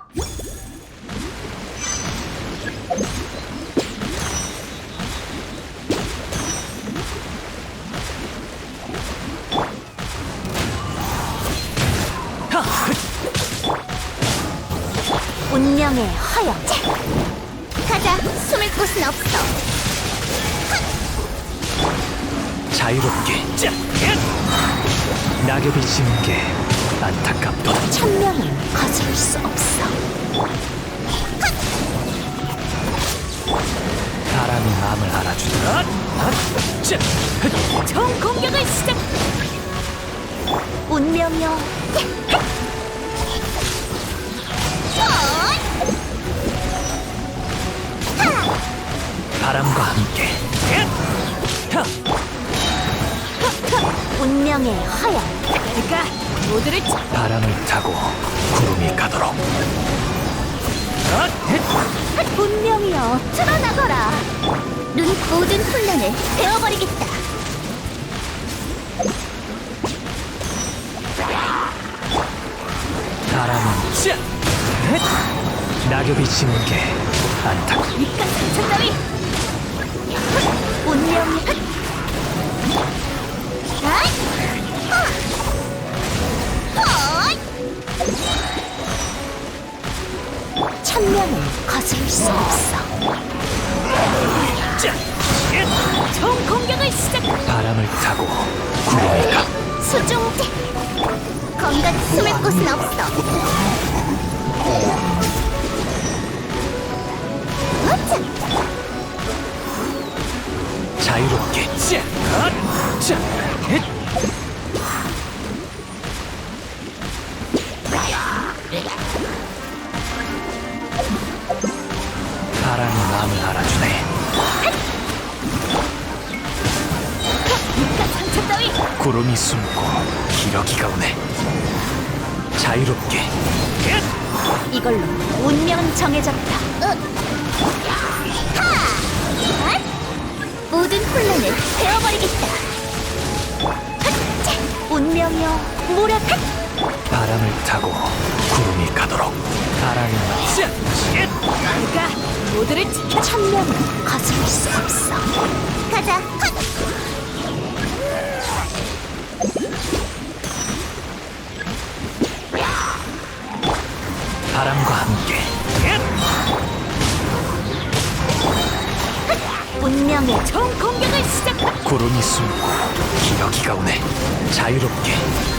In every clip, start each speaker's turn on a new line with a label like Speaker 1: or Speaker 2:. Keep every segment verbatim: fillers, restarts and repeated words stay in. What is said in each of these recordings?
Speaker 1: 운명의 허영. 가자. 숨을 곳은 없어.
Speaker 2: 자유롭게. 자, 낙엽이 지는 게 안타깝도다.
Speaker 1: 천명은 거스를 수 없어.
Speaker 2: 바람이 마음을 알아주더라. 자,
Speaker 1: 총 공격을 시작. 운명이여.
Speaker 2: 바람과 함께.
Speaker 1: 운명의 허영. 내가 모두를 쳐.
Speaker 2: 바람을 타고 구름이 가도록.
Speaker 1: 운명이여 드러나거라. 눈 모든 혼란을 베어버리겠다.
Speaker 2: 바람은 자, 낙엽이 지는 게 안타깝.
Speaker 1: 입가 상처 따위. 운명이 천명은 거스를 수 없어.
Speaker 2: 자,
Speaker 1: 총 공격을 시작.
Speaker 2: 바람을 타고 구름이 가.
Speaker 1: 수중 건강 숨을 곳은 없어. 어차.
Speaker 2: 자유롭게. 자, 자, 바람이 마음을 알아주네.
Speaker 1: 입가 상처 따위.
Speaker 2: 구름이 숨고 기러기가 오네. 자유롭게.
Speaker 1: 이걸로 운명은 정해졌다. 모든 혼란을 베어버리겠다. 운명이여 모략.
Speaker 2: 바람을 타고 구름이 가도록. 바람이 자,
Speaker 1: 내가 모두를 지켜. 천명은 거스를 수 없어. 가자.
Speaker 2: 바람과 함께.
Speaker 1: 운명의 총 공격을 시작.
Speaker 2: 구름이 숨고 기러기가 오네. 자유롭게.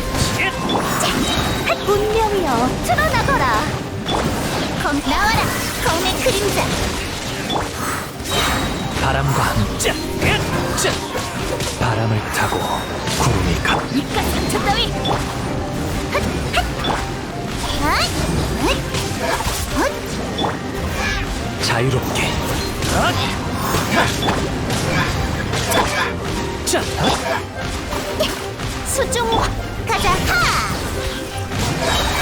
Speaker 1: 운명이여 드러나거라. 검 나와라. 검의 그림자.
Speaker 2: 바람과 함께. 자, 바람을 타고 구름이 가.
Speaker 1: 입가 상처 따위.
Speaker 2: 자유롭게. 자,
Speaker 1: 수중 가자. 하!